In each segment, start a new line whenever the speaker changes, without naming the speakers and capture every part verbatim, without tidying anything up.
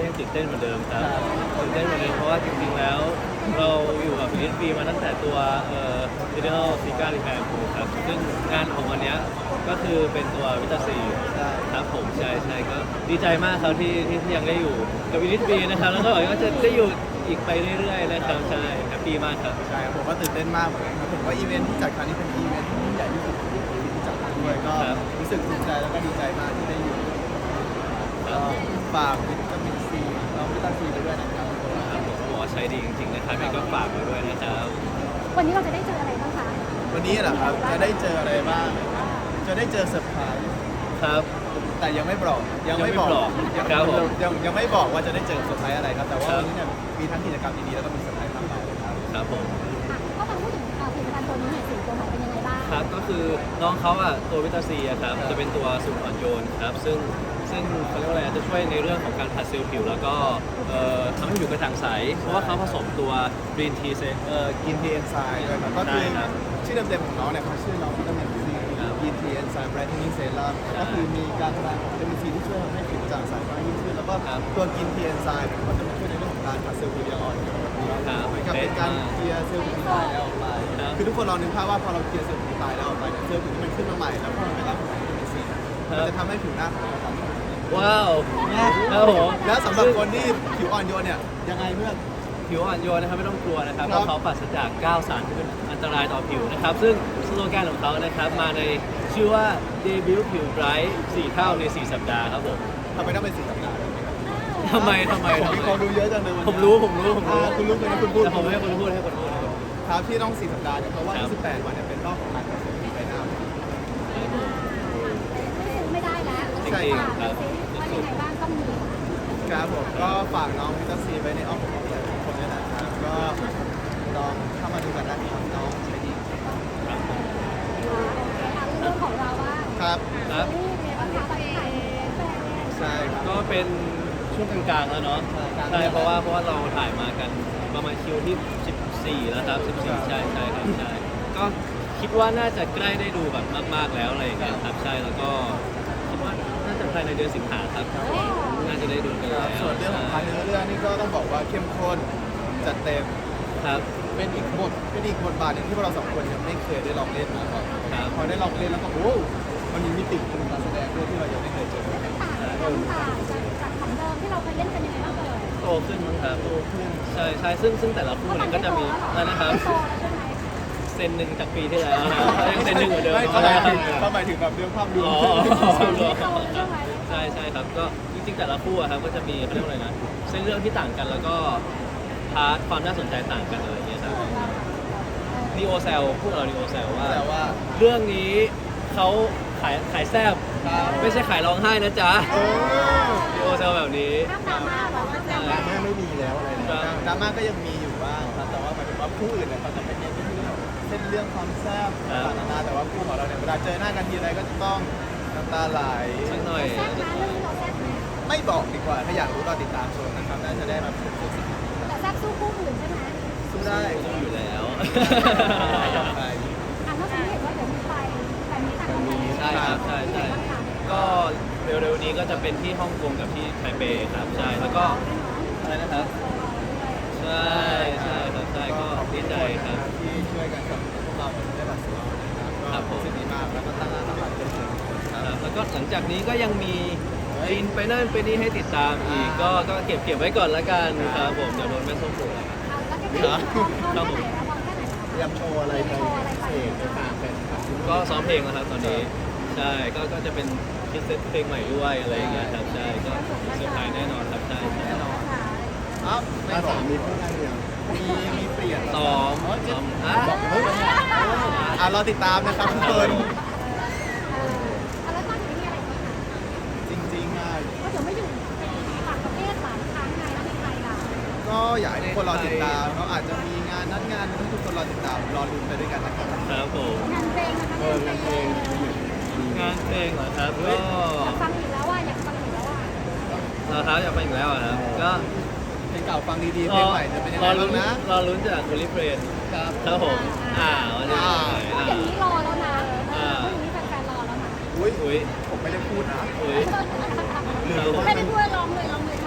ยังตื่นเต้นเหมือนเดิมครับตื่นเต้นเหมือนเดิมเพราะว่าจริงๆแล้วเราอยู่กับ อี เอส บี มาตั้งแต่ตัวเอ่อ Digital Sika Repair Pro ครับซึ่งงานของวันนี้ก็คือเป็นตัววิตาซีครับผมใช่ใช่ก็ดีใจมากครับที่ที่ที่ยังได้อยู่กับ อี เอส บี นะครับแล้วก็หวังว่าจะได้อยู่อีกไปเรื่อยๆนะครับใช่แฮปปี้มากครับ
ใช่ผมก็ตื่นเต้นมากเหมือนกันครับผมว่าอีเวนท์ที่จัดครั้งนี้เป็นอีเวนท์ที่ยิ่งใหญ่ที่สุดที่ที่จัดด้วยก็รู้สึกภูมิใจแล้วก็ดีใจมากที่ได้อยู่ก็ฝากวิตามินซีเราวิตามินซีไปด้วยนะครับ
ครับผมหมอใช้ดีจริงๆนะครับยังก็ฝากไว้ด้วยนะครับ
วันนี้เราจะได้เจออะไรบ้างคะ
วันนี้เหรอครับจะได้เจออะไรบ้างจะได้เจอเซอร์ไพรส์
ครับ
แต่ยังไม่บอกยังไม่บอก
ยังไม่บอก
ยัง
ครับผม
ยังยังไม่บอกว่าจะได้เจอเซอร์ไพรส์อะไรครับแต่ว่า
ครับ
วันนี้เนี่ยมีทั้งกิจกรรมดีๆแล้วก็มีเซอร์ไพรส์มากมายเลยครับ
ครับผม
อ่ะก็มาพูดถึงอ่าผลิตภัณฑ์ตัวนี้หน่อยสิตัวใหม่เป็นยังไงบ้าง
ครับก็คือน้องเขาอ่ะตัววิตาซีอะครับจะเป็นตัวสูตรอ่อนโยนครับซึ่งซึ่งเขาเรียกว่าอะไรจะช่วยในเรื่องของการผัดเซลล์ผิว แล้วก็เอ่อทำให้ผิวกระจ่างใสเพราะว่าเขาผสมตัวกรีนทีเซเอ่อ
กินทีเอนไซม์ด้วยครับก็คือ
ใช่ครับ
ชื่อเต็มๆของน้องเนี่ยเขาชื่อน้องวิตามินซี
ครับ
กินทีเอนไซม์ไบรท์เทนนิ่งเซรั่ม
ใช่
ก็คือมีการทำงานของวิตามินซีที่ช่วยทำให้ผิวกระจ่างใสมากยิ่งขึ้นแล้วก็
ครับ
ตัวกินทีเอนไซม์เนี่ยก็จะมาช่วยในเรื่องของการผัดเซลล์ผิวอย่างอ่อนโยน
ครับ
เหมือนกับเป็นการเคลียร์เซลล์ผิวที่ตายแล้วออกไป
ครับ
คือทุกคนลองนึกภาพว่าพอเราเคลียร์เซลล์ผิวที่ตายแล้วออกไปเนี่ยเซลล์ผิวที่มันขึ้นมาใหม่แล้วพอมันไปรับของวิตามินซีมันจะทำให้ผิวหน้าของเราครับ
ว้าวครับผม
แล้วสำหรับคนที่ผิวอ่อนโยนเนี่ยยังไงเพื่อน
ผิวอ่อนโยนนะครับไม่ต้องกลัวนะครับ
ครับ
เพราะเขาปราศจากเก้าสารที่เป็นอันตรายต่อผิวนะครับซึ่งสโลแกนของเขานะครับมาในชื่อว่า Debut ผิวไบรท์สี่เท่าในสี่สัปดาห์ครับผม
ทำไมต้องเป็นสีสัปดาห์ด้วยครับ
ทำไมทำไม
ผม
ทำ
มี
ไม
ความรู้เยอะจังเลยวันนี้
ผมรู้ผมรู้ผมรู้
อ่าคุณรู้ไหมคุณพูด
แต่ผมไม่ให้คนพูดให้คนพูดให้คนพูด
ครับที่ต้องสี่สัปดาห์เนี่ยเพราะว่า
ครับ
ยี่สิบแปดวันเนี่ยเป็นรอบของการตัดสินใจหน้า
ไม่ซื้อไม่ได้แล้ว
ใช่ครับ
อ่ะว่ายังไงบ้างต้องมี
ครับผมก็ฝากน้องวิตาซีไว้ในอ้อมอกอ้อมใจทุกคนด้วยนะครับก็ลองเข้ามาดูกันนะครับน้องใช้ดี
ครับผม
อ่ะเรื่องของเราว่า
ครับ
ครับ
นี่เรียนภาษาไทยแฟน
ใช่ครับ
ก็เป็นช่วงกลางๆแล้วเนาะ
ใช่
ใช่เพราะว่าเพราะว่าเราถ่ายมากันประมาณคิวที่สิบสี่แล้วครับสิบสี่ใช่ใช่ครับใช่ก็คิดว่าน่าจะใกล้ได้ดูแบบมากๆแล้วอะไรอย่างเงี้ยครับใช่แล้วก็คิดว่าน่าจะภายในเดือนสิงหาครับน่าจะได้ดูกันแล้ว
ส่วนเรื่องของพาร์ทเนื้อเรื่องนี่ก็ต้องบอกว่าเข้มข้นจัดเต็ม
ครับ
เป็นอีกบทเป็นอีกบทบาทหนึ่งที่พวกเราสองคนยังไม่เคยได้ลองเล่นมาก่อน
ครับ
พอได้ลองเล่นแล้วก็โอ้มันมีมิติของการแสดงด้วยที่เรายังไม่เคยเจอ
ต่างกันต่างจากจากของเดิมที่เราเคยเล่นกันยังไงบ้างเอ่ย
โตขึ้นมั้งครับ
โตขึ้น
ใช่ใช่ซึ่งซึ่งแต่ละคู่เนี่ยก็จะมีอะไรนะครับ
โตแล้วใช่ไหม
เซนหนึ่งจากปีที่แล้วนะยังเซนหนึ่งเหมือนเดิม
ไม่เขาหมายถึงเขาหมายถึงแบบเรื่องภาพรวม
อ๋อ
โตใช่ไหม
ใช่ใช่ครับก็จริงๆแต่ละคู่อะครับก็จะมีเขาเรียกว่าอะไรนะเส้นเรื่องที่ต่างกันแล้วก็พาร์ทความน่าสนใจต่างกันอะไรอย่างเงี้ยครับนีโอเซลพวกเรานีโอเซลว่า
แต่ว่า
เรื่องนี้เขาขายขายแซบ
ครับ
ไม่ใช่ขายร้องไห้นะจ๊ะ
เออ
นีโอเซลแบบนี้
ห้ามดราม่าหรอ
ใช่
ดราม่าไม่มีแล้วอะไร
ครั
นะ
บ
ดราม่าก็ยังมีอยู่บ้างครับแต่ว่าหมายถึงว่าคู่อื่นเนี่ยเขาจะเป็นเน้นที่เรื่องเส้นเรื่องความแซ่บต่างๆนานาแต่ว่าคู่ของเราเนี่ยเวลาเจอหน้ากันทีไรก็จะต้องน้ำตาไหล
สักหน่อย
แซ่บนะเรื่องนี้เราแซ่บนะ
ไม่บอกดีกว่าถ้าอยากรู้รอติดตามชมนะครับน่าจะได้มาเป็นตัวสิ่งที่
แต่แซ่บสู้คู่อื่นใช่ไหม
สู้ได้
ต้องอยู่แล้ว
ใช่
อ่ะเมื่อกี้เห็นว่าเดี๋ยวมีไปแต่มีต่างกัน
ใช่ครับใช่ใช่ก็เร็วๆนี้ก็จะเป็นที่ฮ่องกงกับที่ไทเปครับใช่แล้วก็อะไรนะครับ ใช่ใช่ครับใช่ก็ดีใจครับ
ที่ช่วยกันกับพวกเราได้บัตรซื้อนะครับ
ครับผม
ก็รู้สึกดีมากแล้วก็ตั้งหน้าตั้งตาเป็นเชิงค
ค
รั
รั
บบ
แล้วก็หลังจากนี้ก็ยังมีบินไปนั่นไปนี่ให้ติดตามอีกก็ก็เก็บเก็บไว้ก่อนละกันครับผมเดี๋ยวโดนแม่ส้มปลุก
แล้วจะได้พร้อมแค่ไหนแล้วพร้อมแค่ไหน
เตรียมโชว์อะไรไปพิเศษไปฝากแฟนคลับ
ก็ซ้อมเพลงแล้วครับตอนนี้ใช่ก็ก็จะเป็นคิดเซตเพลงใหม่ด้วยอะไรอย่างเงี้ยครับใช่ก็เซอร์ไพรส์แน่นอนครับใช่ใช่
แน่นอนอ้าวไม่บอกมีเพื่อนอะไรอย่างมีมีเปลี่ยน
ซ้อมซ้อมอ่ะ
บอกเฮ้ยอ่ะเราติดตามนะครับทุกคน
แล้วตอนนี้มีอะไรบ้างคะ
จริงๆอ่ะ
ก็เดี๋ยวไม่อยู่ต่างประเทศหลายครั้งไงแล้วมีใครล่ะ
ก็อยากให้ทุกคนรอติดตามเขาอาจจะมีงานนัดงานให้ทุกคนรอติดตามรอลุ้นไปด้วยกันนะครับ
ครับผม
งานเพลงนะคะงานเพลง
งานเพลงเหรอครับก็
อยากฟังอีกแล้วว่าอยากฟังอีกแล้วว่า
เราครับอยากไปอีกแล้วอะครับก็
เพลงเก่าฟังดีๆเพลงใหม่จะเป็นยังไง
รอ
บ้า
ลุ้
ง
น
นะ
รอลุ้นจากโอลิเฟรน
ครับ
ครับผมอ่าวันนี้
อ่า
อ่า
อย่างนี้รอแล้วนะเอออย่างนี้แฟนๆรอแล้วนะ
อุ้ย
อุ้ย
ผมไม่ได้พูดนะ
อุ้ย
หรือว่า
ไม่ได้พูดร้องเลยร้องเลยว่า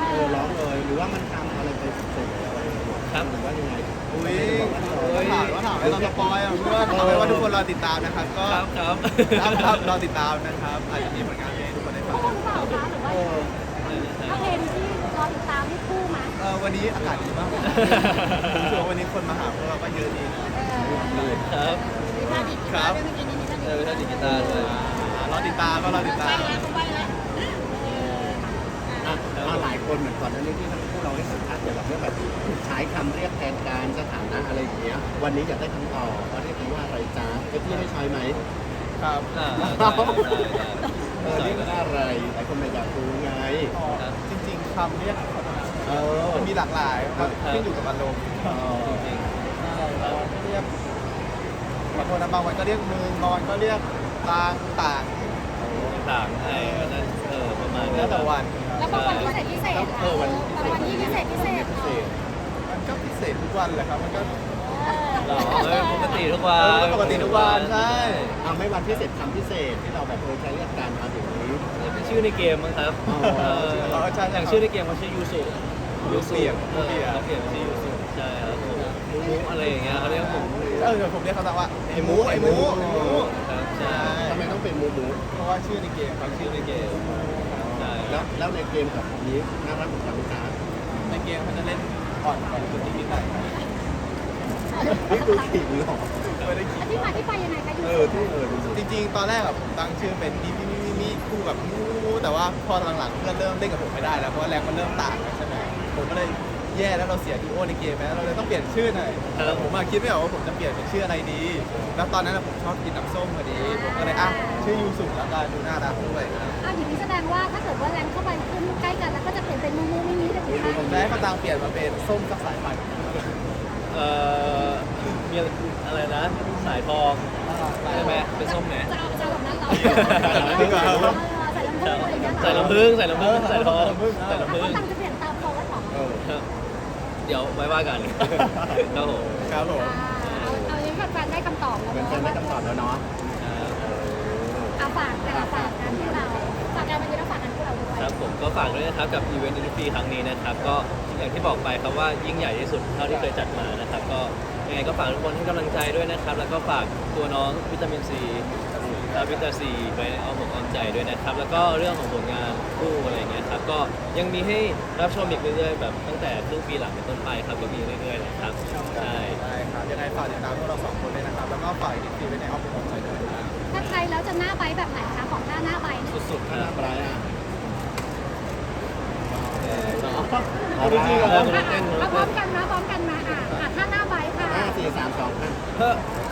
เออร้องเลยหรือว่ามันทำอะไรไปเสร็จอะไรอย่างเงี้ย
ครับ
หรือว่ายังไง
อุ้ย
ไม่ได้บอกว่า
ถามว่าถามให้เราสปอยอ่ะเพื่อนเอาไว้ว่าทุกคนรอติดตามนะครับก็
ครับครับ
ครับครับรอติดตามนะครับอาจจะมีผลงานเพลงให้ทุกคนได้ฟั
คู่
ง
หรือเปล่าคะหรือว่า
เออ
ถ้าเพลงที่รอติดตามที่คู่ไหม
เออวันนี้อากาศดีมากรู้สึกว่าวันนี้คนมาหาพวกเราก็เยอะดีนะ
เออ
ครับ
มีท่าดีดกีตาร์ด้วยเมื่อกี้นี้มีท่าดี
เอ
ด
อเป็นท่าดิจิตาร์ด้วย
อ่ารอติดตามก็รอติดตาม
เขาไปแล้ว
อ่ะมาหลายคนเหมือนก่อนหน้านี้ที่พวกเราให้สัมภาษณ์เกี่ยวกับเรื่องแบบใช้คำเรียกแทนการสถานะอะไรอย่างเงี้ยวันนี้อยากได้คำตอบว่าเรียกกันว่าอะไรจ้าไอ้ที่ให้ใช้ไหม
ครับ
อ่าได้ได้ได้
เออเรียกว่าอะไรหลายคนไม่อยากรู้ไง
อ๋อจริงๆคำเรียก
เออ
มันมีหลากหลายครับขึ้นอยู่กับอารมณ์
เออ
จริง
ใช่บางวันก็เรียกบางคนนะบางวันก็เรียกมึงบางวันก็เรียกต่างต่าง
ๆต่างๆไอ้ก็นั่นเออประมาณ
แล้วแต่วัน
แล้วบางวันพิเศษพิเศษ
เออวัน
บางวันที่พิเศษพิเศษ
พิเศษ
มันก็พิเศษทุกวันแหละครับมันก็
หรอเออปกติทุกวัน
เออปกติทุกวันใช่
เอาไม่วันพิเศษคำพิเศษที่เราแบบเออใช้เรียกกันมาอย่างนี้
เป็นชื่อในเกมมั้งครับ
อ๋อ
เอออย่างชื่อในเกมเขาชื่อยูสุยูสุเออเขาเปลี่ยนเป็นชื่อยูสุใช่ครับผมมูมูอะไรอย่างเงี้ยเขาเรียกผม
เออเดี๋ยวผมเรียกเขาแต่ว่าไอ้หมูไอ้หมูไอ้หมู
ครับใช่
ทำไมต้องเป็นหมูหมู
เพราะว่าชื่อในเกมครับ
ชื่อในเกมใช่
แล้วแล้วในเกมกับนี้น่ารักเหมือนกันไหมจ๊ะ
ในเกมเขาจะเล่นอ่อนกว่าคนที่คิดหน่อย
นี่คือขิงเหรอ
ไม่ได้คิด
ที่มาที่ไปยังไงคะยู
เออที่เออดูสิ
จริงๆ ตอนแรกอะผมตั้งชื่อเป็นมีมีมีมีคู่แบบมูแต่ว่าพอหลังๆเพื่อนเริ่มเล่นกับผมไม่ได้แล้วเพราะว่าแรงมันเริ่มต่างกันใช่ไหมผมก็เลยแย่แล้วเราเสียดีโอในเกมไปแล้วเราเลยต้องเปลี่ยนชื่อหน่อยแต่ผมอะคิดไม่ออกว่าผมจะเปลี่ยนเป็นชื่ออะไรดี แล้วตอนนั้นอะผมชอบกินน้ำส้มพอดีผมก็เลยอ่ะชื่อยูสุแล้วกันดูน่ารักด้วย
อ้าวอย่างนี้แสดงว่าถ้าเกิดว่าแรงเข้าไปขึ้นใกล้กันแล้วก็จะเปลี่ยนเป็นมูมูมิมิเลยถูกไหม
ผมจะให้เขาตังเปลี่ยนมาเป็นส้มกับสายพันธุ์
เอ่อมีอะไรนะ สายทองใช่ไหมเป็นส้มไหน
จะเอาจะแบบนั้นเหรอ
จริงเหรอ
ใส่ลำโพงอะไรอย่างเงี้ยเหรอ
ใส่ลำพึงใส่ลำพึงใส่ทองใส่ลำ
แล้ว
พึง
ก็ตังจะเปลี่ยนตามโพสหรอ
เออ
ครับเดี๋ยวไว้ว่ากันครับผม
ครับผม
เอาเอาอย่างนี้แฟนๆได้คำตอบแล้ว
เหมือน
เนาะ
กันได้คำตอบแล้วเนาะ
เอาฝากแต่ละฝากงานที่เราฝากงานวันนี้เราฝากงานพวกเราด้วย
ครับผมก็ฝากด้วยนะครับกับอีเวนต์อินฟีครั้งนี้นะครับก็อย่างที่บอกไปครับว่ายิ่งใหญ่ที่สุดเท่าที่เคยจัดมานะครับก็ยังไงก็ฝากทุกคนให้กำลังใจด้วยนะครับแล้วก็ฝากตัวน้องวิตามินซีครับวิตาซีไว้ในอ้อมอกอ้อมใจด้วยนะครับแล้วก็เรื่องของผลงานคู่อะไรอย่างเงี้ยครับก็ยังมีให้รับชมอีกเรื่อยๆแบบตั้งแต่ครึ่งปีหลังเป็นต้นไปครับก็มีเรื่อยๆนะครับใช่
ได้ครับยังไงฝากติดตามพวกเราสองคนด้วยนะครับแล้วก็ฝากอีกทีไว้ในอ้อมอกอ้อมใจด้วยนะครับ
ถ้าใครแล้วจะหน้าใบแบบไหนคะของท่าหน้าใบเนี่ย
สุดๆค
ถ้า
รับ
ทำอะไรอ่ะ
เอาจริงๆเหรอ
อ่ะอ่ะมาพร้อมกันนะพร้อมกันมาอ่ะอ่ะท่าหน้าใบค่ะ
ห้าสี่สามสองห้า
เฮ้อ